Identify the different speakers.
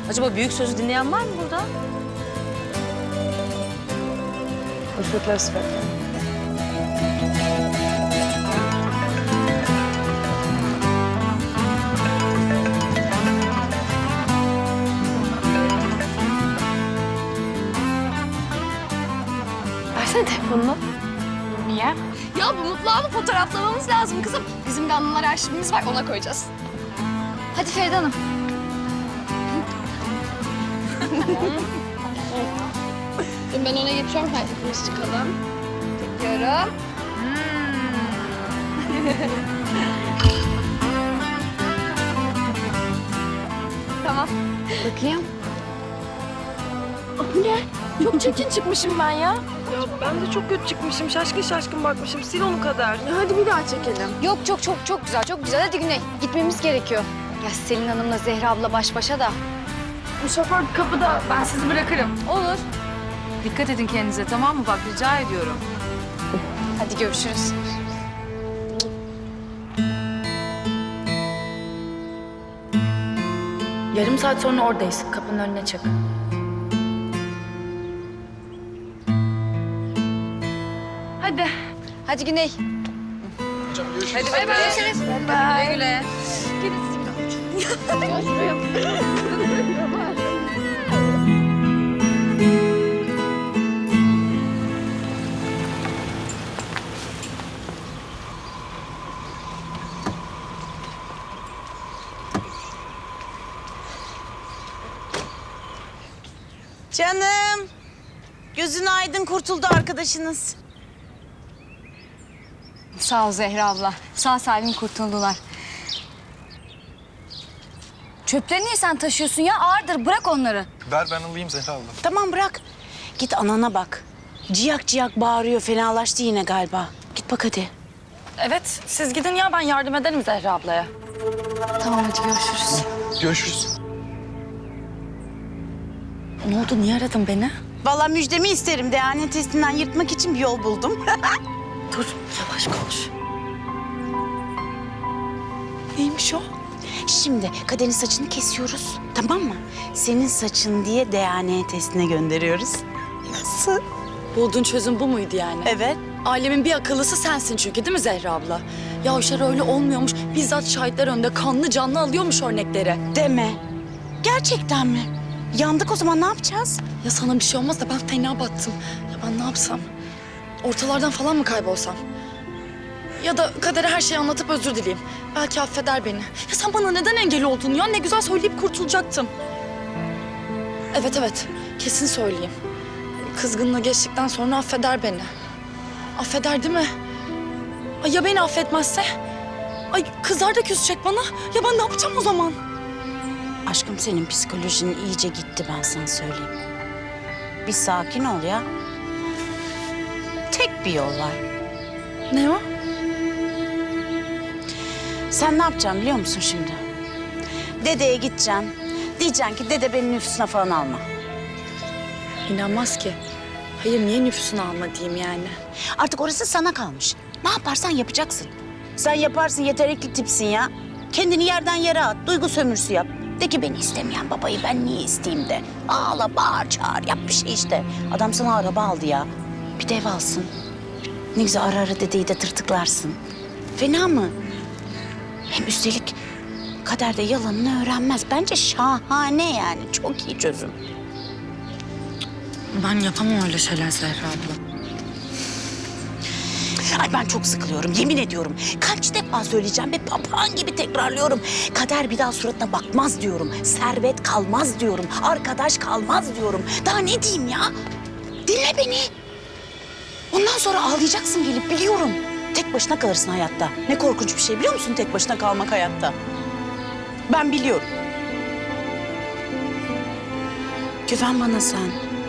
Speaker 1: Acaba büyük sözü dinleyen var mı burada?
Speaker 2: Oświetlę światło. Versene telefonunu.
Speaker 3: Niye? Ya bu mutlu anı fotoğraflamamız lazım kızım. Bizim de anılar arşivimiz var, ona koyacağız. Hadi Feride Hanım. Ben öne geçiyorum, hepimiz çıkalım. Çekiyorum. Tamam.
Speaker 2: Bakayım.
Speaker 3: Bu ne? Çok çirkin çıkmışım ben ya.
Speaker 2: Ya ben de çok kötü çıkmışım. Şaşkın şaşkın bakmışım. Sil onu kadar. Ya hadi bir daha çekelim.
Speaker 3: Yok çok güzel, çok güzel. Hadi Güney, gitmemiz gerekiyor. Ya Selin Hanım'la Zehra abla baş başa da.
Speaker 2: Bu şoför kapıda. Ben sizi bırakırım.
Speaker 1: Olur. Dikkat edin kendinize, tamam mı? Bak rica ediyorum.
Speaker 3: Hadi görüşürüz.
Speaker 4: Yarım saat sonra oradayız. Kapının önüne çık.
Speaker 3: Hadi. Hadi Güney.
Speaker 1: Hadi bakalım.
Speaker 3: Görüşürüz.
Speaker 1: Güle güle.
Speaker 5: Canım. Gözün aydın, kurtuldu arkadaşınız.
Speaker 3: Sağ ol Zehra abla. Sağ salim kurtuldular. Çöpleri niye sen taşıyorsun ya? Ağırdır, bırak onları.
Speaker 6: Ver ben alayım Zehra abla.
Speaker 5: Tamam bırak. Git anana bak. Ciyak ciyak bağırıyor, fenalaştı yine galiba. Git bak hadi.
Speaker 4: Evet, siz gidin ya ben yardım ederim Zehra ablaya.
Speaker 3: Tamam hadi görüşürüz.
Speaker 6: Görüşürüz.
Speaker 4: Ne oldu, niye aradın beni?
Speaker 5: Vallahi müjdemi isterim. DNA testinden yırtmak için bir yol buldum.
Speaker 4: Dur, yavaş konuş.
Speaker 5: Neymiş o? Şimdi Kader'in saçını kesiyoruz. Tamam mı? Senin saçın diye DNA testine gönderiyoruz. Nasıl?
Speaker 4: Bulduğun çözüm bu muydu yani?
Speaker 5: Evet.
Speaker 4: Ailemin bir akıllısı sensin çünkü değil mi Zehra abla? Ya o işler öyle olmuyormuş. Bizzat şahitler önünde kanlı canlı alıyormuş örnekleri.
Speaker 5: Deme. Gerçekten mi? Yandık o zaman, ne yapacağız?
Speaker 4: Ya sana bir şey olmaz da ben fena battım. Ya ben ne yapsam? Ortalardan falan mı kaybolsam? Ya da Kader'e her şeyi anlatıp özür dileyeyim. Belki affeder beni. Ya sen bana neden engel oldun ya? Ne güzel söyleyip kurtulacaktım. Evet, kesin söyleyeyim. Kızgınlığı geçtikten sonra affeder beni. Affeder değil mi? Ay ya beni affetmezse? Ay kızlar da küsecek bana. Ya ben ne yapacağım o zaman?
Speaker 5: Aşkım, senin psikolojin iyice gitti, ben sana söyleyeyim. Bir sakin ol ya. Tek bir yol var.
Speaker 4: Ne o?
Speaker 5: Sen ne yapacaksın biliyor musun şimdi? Dedeye gideceksin. Diyeceksin ki dede beni nüfusuna falan alma.
Speaker 4: İnanmaz ki. Hayır niye nüfusunu alma diyeyim yani?
Speaker 5: Artık orası sana kalmış. Ne yaparsan yapacaksın. Sen yaparsın, yetenekli tipsin ya. Kendini yerden yere at, duygu sömürüsü yap. De ki beni istemeyen babayı ben niye isteyeyim de. Ağla, bağır, çağır, yap bir şey işte. Adam sana araba aldı ya. Bir de ev alsın. Ne güzel ara ara dedeyi de tırtıklarsın. Fena mı? Hem üstelik Kader de yalanını öğrenmez. Bence şahane yani. Çok iyi çözüm.
Speaker 4: Ben yapamam öyle şeyler Zehra abla.
Speaker 5: Ay ben çok sıkılıyorum, yemin ediyorum. Kaç defa söyleyeceğim ve papağan gibi tekrarlıyorum. Kader bir daha suratına bakmaz diyorum. Servet kalmaz diyorum. Arkadaş kalmaz diyorum. Daha ne diyeyim ya? Dinle beni. Ondan sonra ağlayacaksın gelip, biliyorum. Tek başına kalırsın hayatta. Ne korkunç bir şey biliyor musun tek başına kalmak hayatta? Ben biliyorum. Güven bana sen.